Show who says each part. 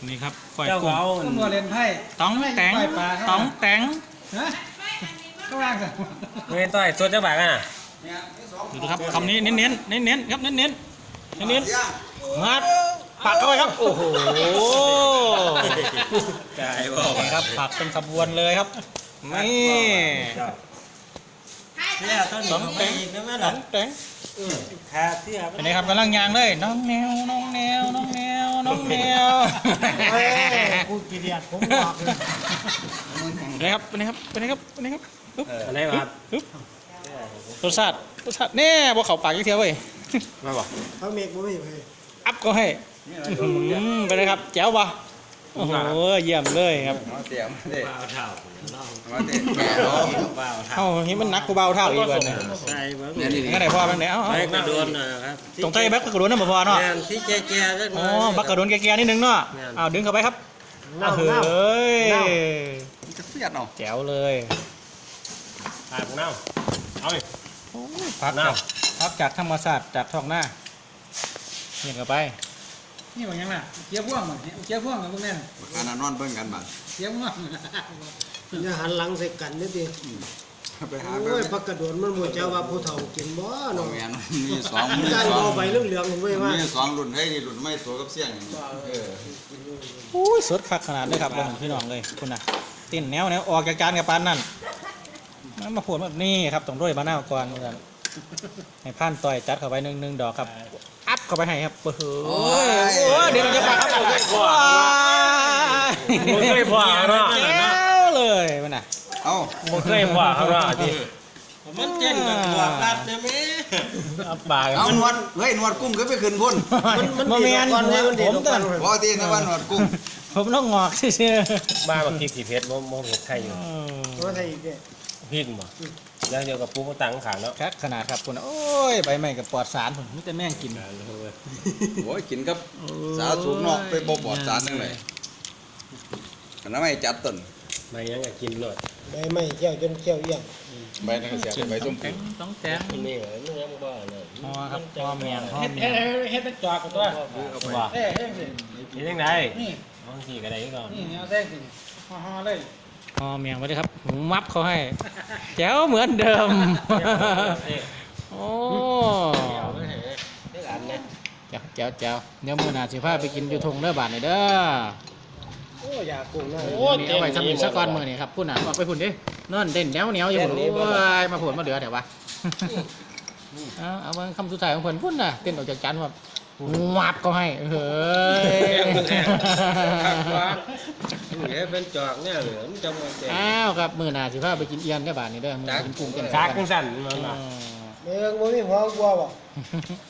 Speaker 1: นี่ครับก้อย
Speaker 2: เจ้า
Speaker 1: กุ้ง
Speaker 2: เขา
Speaker 3: ตำรวจเล่นไพ่
Speaker 1: ต้องแต่งต้องแต่ง
Speaker 3: ฮะก็ว่างสิ
Speaker 2: เงินต่อยส่วนเจ้าบ่าวกันอ่ะ
Speaker 1: ดูนะครับคำนี้เน้นๆเน้นๆครับเน้นๆเน้นๆงัดปักเข้าไปครับโอ้โห
Speaker 2: กายบอก
Speaker 1: นี่ครับปักเป็นขบวนเลยครับนี่
Speaker 2: เนี่ยต้น
Speaker 1: ต้องแต่ง
Speaker 2: อีกนะแม่
Speaker 1: ต้
Speaker 2: หลั
Speaker 1: อง งแต่ง
Speaker 2: ขาเสีย
Speaker 1: เป็นไงครับกำลังยางเลยน้องแนวน้องแนวน้องแนวน้องแนว
Speaker 3: กูกี่เดียดผมบอกเลย
Speaker 1: เป็นไงครับเป็นไงครับเป็นไงครับเป็นไงครับปึ๊บ
Speaker 2: อะไรวะ
Speaker 1: ปึ๊บรสชาติเนี่ยบ่เข้าปากยี่เทียวเว้ย
Speaker 2: มาบอก
Speaker 3: เขาเมกบ่ไม่เลย
Speaker 1: อัพก็ให้เป็นไงครับแจ๋วปะโอ้โหเยี่ยมเลยครับ
Speaker 4: มาเตรียมเด็ก
Speaker 2: เบาเท่า
Speaker 4: มาเตรียมแก่เนาะ
Speaker 2: เบาเท่า
Speaker 1: เอ้าเห็นมันนักกูเบาเท่าอีกวันเนี่ย
Speaker 2: ใช่บ้าง
Speaker 4: เนี่ยนี่
Speaker 1: งั้นไหนพ่อบ้างเนี่ยเอ้า
Speaker 2: ไม่กระโดนนะครับ
Speaker 1: ตรงใต้แบ็คกระโดดนั่นบ่พอเนาะ
Speaker 2: งานที่แก่ๆก็
Speaker 1: อ๋อบักกระโดดแก่ๆนิดนึงเนาะเอาดึงเข้าไปครับเฮ้ย
Speaker 4: มันจะเสียดเนาะ
Speaker 1: แจ๋วเลย
Speaker 2: ปากเน่าเอาไป
Speaker 1: พักจากธรรมศาสตร์จากท้องหน้าเห็นเข้าไป
Speaker 3: นี่ว่ายังน่ะเจี๊ยบพ่วงมันเจี๊ยบพ่วงกับพวกนี้
Speaker 4: การนอนเบิ่งกันบัด
Speaker 3: เจี๊ยบพ่วง
Speaker 5: อย่าหันหลังใส่กันนี่ดิ
Speaker 4: ไปหา
Speaker 5: โอ้
Speaker 4: เบิ่
Speaker 5: ย
Speaker 4: ง
Speaker 5: พักกระโดดมันบ่เจ้าว่าผู้เฒ่ากินบ่
Speaker 4: น้อ
Speaker 5: เนาะ
Speaker 4: งแม่นมีสองมี
Speaker 5: การ
Speaker 4: สอง
Speaker 5: บ่ใบเหลืองๆเว้ยว่า
Speaker 4: มีสองรุ่นให้รุ่นไม่ตัวกับเสียงเออ
Speaker 1: อุ้ยสดคักขนาดเลยครับพี่น้องเลยคุณน่ะเต้นแนวออกจากจานกับปานนั่นมันมาพูดแบบนี้ครับต้องด้วยมะนาวก่อนเหมือนกันให้ผ่านต่อยจัดเข้าไปหนึ่งดอกครับอัพเข้าไปให้ครับโอ้โหเดี๋ยวมันจะปากครับผม
Speaker 2: ไม่เคยพอเนาะ
Speaker 1: แก้วเลยมันน่ะ
Speaker 4: เอ้า
Speaker 2: ไม่เคยพอเขาเนาะดิมันเต้นกับตัวรัดนะแม่
Speaker 1: อัพปาก
Speaker 4: เอาหนวดเฮ้ยหนวดกุ้งก็ไปขึ้นพุ่น
Speaker 1: มันเมียน
Speaker 5: มันเด็ด
Speaker 1: ผม
Speaker 5: ก่อ
Speaker 1: ตั
Speaker 5: น
Speaker 1: น
Speaker 4: พอที่นะว่าหนวดกุ้ง
Speaker 1: ผมต้องงอกเชื่อ
Speaker 2: บ้าบางทีสีเพชรมองเห็ดไทยอยู่
Speaker 5: ว่าไทยอีกเด้
Speaker 2: พิษบ่แล้วเดียวกับปูมาตังขังเนาะ
Speaker 1: ครับขนาดครับคุณโอ้ยใบไม้กับปลอดสารผมไม่แต่แม่งกิน
Speaker 4: โอ้ยกินกับสาสูงเนาะไปบ่ปลอดสารจังได๋อันนั้นไม่จัดต้น
Speaker 2: ไม่ยังก็กินเลย
Speaker 5: ใบไม้แก้วจนแก้วเอี้ยง
Speaker 4: ใบนั่นก็เสียใบส้ม
Speaker 1: แตงต้องแตง
Speaker 2: นี่เหรอนี่ยังบ้าเนาะ
Speaker 1: พอครับพอเมียงพอ
Speaker 3: เฮ็ด
Speaker 1: เมี
Speaker 3: เฮ็
Speaker 1: ย
Speaker 3: ด
Speaker 1: ง
Speaker 3: เฮ็ดเป็นจอกกับตัว
Speaker 1: ว่า
Speaker 3: เอ้เฮ็ดสิ
Speaker 2: กินยังไง
Speaker 3: นี่
Speaker 2: บางทีก็ได้ก่อน
Speaker 3: นี่เอาแท่งสิห่อเลย
Speaker 1: พอเมียงไปเลยครับผมมับเขาให้แจ๋วเหมือนเดิมโอ้
Speaker 2: ได้หลานเนี่ย
Speaker 1: แจ๋วเดี๋ยวมื้อหน้าสิพาไปกินอยู่ทงเด้อบาดนี่เด้อ
Speaker 5: โอ้ยากุ้งนะ
Speaker 1: นี่เอาไว้สำหรับสักก้อนมื้อนี่ครับพุ่นน่ะออกไปพุ่นดินอนเด่นแนวอยู่พุ่นโอ้ยมาพุ่นมาเหลือเดี๋ยววะเอามาคำสุดท้ายของเพิ่นพุ่นน่ะเต้นออกจากจานว่ามับเขาให้เฮ้ย
Speaker 2: นี่เป็นจอกเนี่ยเหลือมันจะมาเจ็บ
Speaker 1: อ้าวครับมื้อหน้าสิพาไปกินเอียนได้อบาดนี่เด้อมื้อกินกุ้งกัน
Speaker 2: ชักกันสั่นมัน
Speaker 1: อ๋อ
Speaker 2: มา
Speaker 5: เมืองบ่มีหัวกลัวบ่